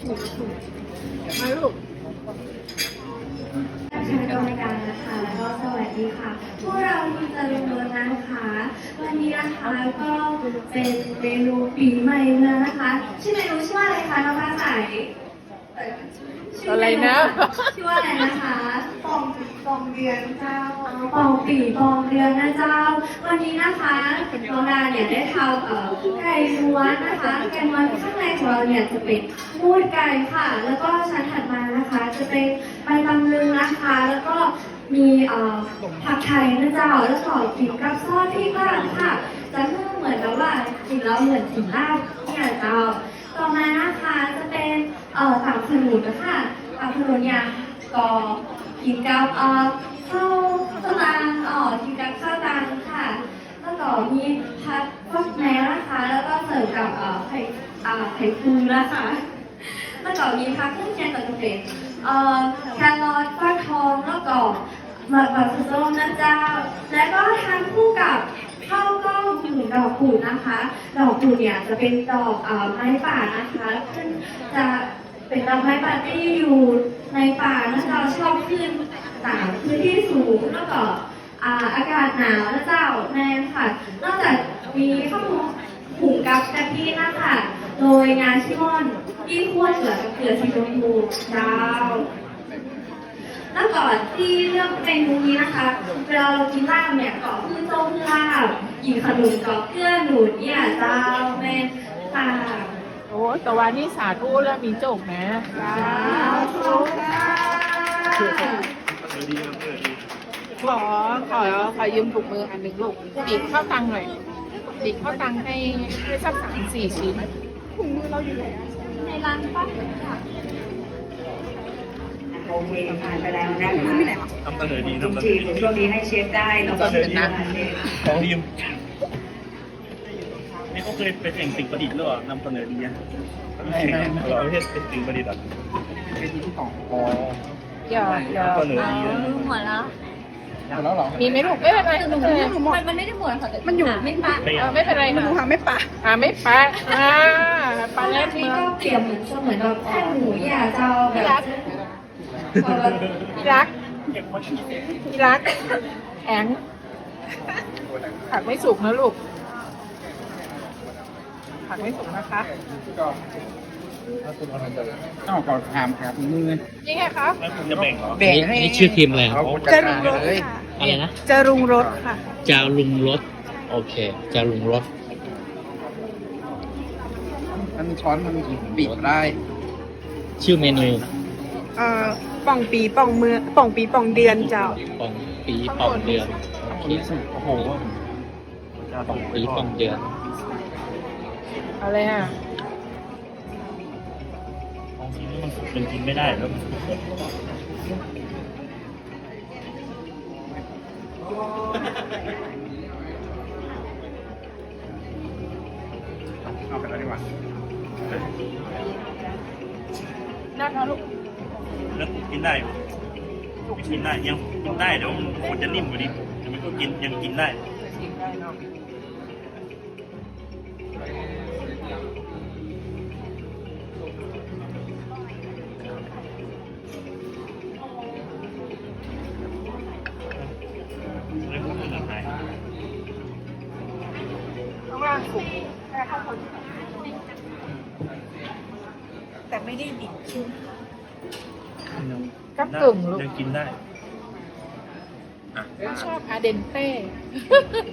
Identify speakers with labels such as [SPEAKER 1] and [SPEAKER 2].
[SPEAKER 1] มาลูก
[SPEAKER 2] คณะกรรมการนะคะแล้วก็สวัสดีค่ะพวกเราทีมตะลุงรถนะคะวันนี้นะคะก็เป็นเมนูปีใหม่แล้วนะคะชื่อเมนูชื่อว่าอะไรคะน้องฟ้าใส
[SPEAKER 1] อะไรนะ
[SPEAKER 2] ชื่อว่าอะไรนะคะ
[SPEAKER 3] ปองเดือนเจ้า
[SPEAKER 2] ปองปีปองเดือนนะเจ้าวันนี้นะคะน้องดาเนี่ยได้ทำไก่ล้วนนะคะไก่ล้วนข้างในของเราเนี่ยจะเป็นมูดไก่ค่ะแล้วก็ชั้นถัดมานะคะจะเป็นใบตำลึงนะคะแล้วก็มีผักไทยนะเจ้าแล้วก็กินกับซอสพริกลาดค่ะจะเหมือนกับว่ากินแล้วเหมือนกินลาบเนี่ยเจ้าต่อมานะคะจะเป็นตับขนุนนะคะตับขนุนเนี่ยก็กินกับข้าวตังกินกับข้าวตังค่ะแล้วก็มีผัดฟักแม้นะคะแล้วก็เสิร์ฟกับไข่ปูนะคะแล้วก็มีผักเครื่องแกงต่างๆแครอทฟักทองแล้วก็หมักส้มนะเจ้าแล้วก็ทานคู่กับข้าวต้มถึงดอกกูดนะคะดอกกูดเนี่ยจะเป็นดอกไม้ป่านะคะซึ่งจะเป็นดอกไม้ป่าที่อยู่ในป่านะคะชอบขึ้นตามพื้นที่สูงแล้วก็อากาศหนาวนะเจ้าแน่ค่ะนอกจากมีข้าวหุงกับกะทินะคะโดยงานชิมอนที่คั่วเกลือกับเกลือสีชมพูเจ้าแล้วก่อนที่เลือกเมนูนี้นะคะเวลาเรากินลาบเนี่ยก็คือต้มลาบกินขนมก็เกลือหนุนเนี่ยเจ้าแม่ค่ะ
[SPEAKER 1] โอ้แต่วันนี้สาธุแล้วมีโจกนะสาธุขอยืมถุงมืออันหนึ่งลูกดิบข้าวตังหน่อยดิบข้าวตังให้สัก3-4 ชิ้นถุงมือเราอยู่ไหน
[SPEAKER 2] ในร้านป้าค่ะ
[SPEAKER 3] โอเคผ่านไปแล้วนะคะ
[SPEAKER 4] นำเสนอดีนำเสน
[SPEAKER 3] จี
[SPEAKER 4] อบ ดี
[SPEAKER 3] ช่วงนี้ให้เชฟได้เนาะ
[SPEAKER 4] นำเสนอดีของดีมนี่เขาเคยไปแข่งสิ่งประดิษฐ์หรือเปล่านำเสนอดีนะไม่เราไม่ใช่เป็นสิ่งประดิษฐ์อ่ะเป็นที่ของอ๋อ
[SPEAKER 1] เดี๋ยวน
[SPEAKER 4] ำเสนอดีนะ
[SPEAKER 2] หมดแล้ว
[SPEAKER 4] แล้วเหรอ
[SPEAKER 1] มีไหมลูกไม่เป็นไรไม่เป็นไร
[SPEAKER 2] มันไม่ได้หมดค่ะแต่มันอยู่ไม่ปะ
[SPEAKER 1] ไม่เป็นไร
[SPEAKER 3] มันดูหาไม่ปะ
[SPEAKER 1] ไม่ปะปลาเล็ด
[SPEAKER 2] นี่
[SPEAKER 1] เมือง
[SPEAKER 2] ก็เปรียบเหมือนแบบแค่หมูอย่าเจ้าแบบ
[SPEAKER 1] ที่รักแข็งผักไม่สุกนะลูกผักไม่สุกนะคะ
[SPEAKER 5] อ้าวก่อนถามครับมือ
[SPEAKER 1] นี่ไงคะ
[SPEAKER 4] แล้วคุณจะแบ่งเหรอ
[SPEAKER 5] แบ่งให้
[SPEAKER 6] นี่ชื่อทีมอะไรครับ
[SPEAKER 5] จะรุงรสเลย
[SPEAKER 6] อะไรนะ
[SPEAKER 3] จะรุงรสค่ะ
[SPEAKER 6] จารุงรสโอเคจารุงรส
[SPEAKER 5] มันช้อนมันบีบได้
[SPEAKER 6] ชื่อเมนู
[SPEAKER 3] ป่องปีป่องเมืองป่องปีป่องเดือนเจ้า
[SPEAKER 6] ปองปีปองเดือนโอเค
[SPEAKER 4] โอ้โห
[SPEAKER 6] ปองปีปองเดือน
[SPEAKER 1] อะไรอ่ะ
[SPEAKER 4] ของทีนี้มันเป็นกินไม่ได้แล้วมัน
[SPEAKER 5] เอาไปแล้วดีกว่า
[SPEAKER 1] น่าทานลูก
[SPEAKER 4] แล้วกินได้กินได้ยังกินได้เดี๋ยวมันจะนิ่มกว่านี้แต่มันก็กินยังกินได้
[SPEAKER 1] กินได้เนาะ
[SPEAKER 4] เลยพูดถึงอะไร
[SPEAKER 1] ข้างล่างสุกแค่ข้าวคน
[SPEAKER 3] แต่ไม่ได้ดิบชิ้น
[SPEAKER 1] กับกึ่งลูก
[SPEAKER 4] ยังกินได้
[SPEAKER 1] ชอบอาเดนเต้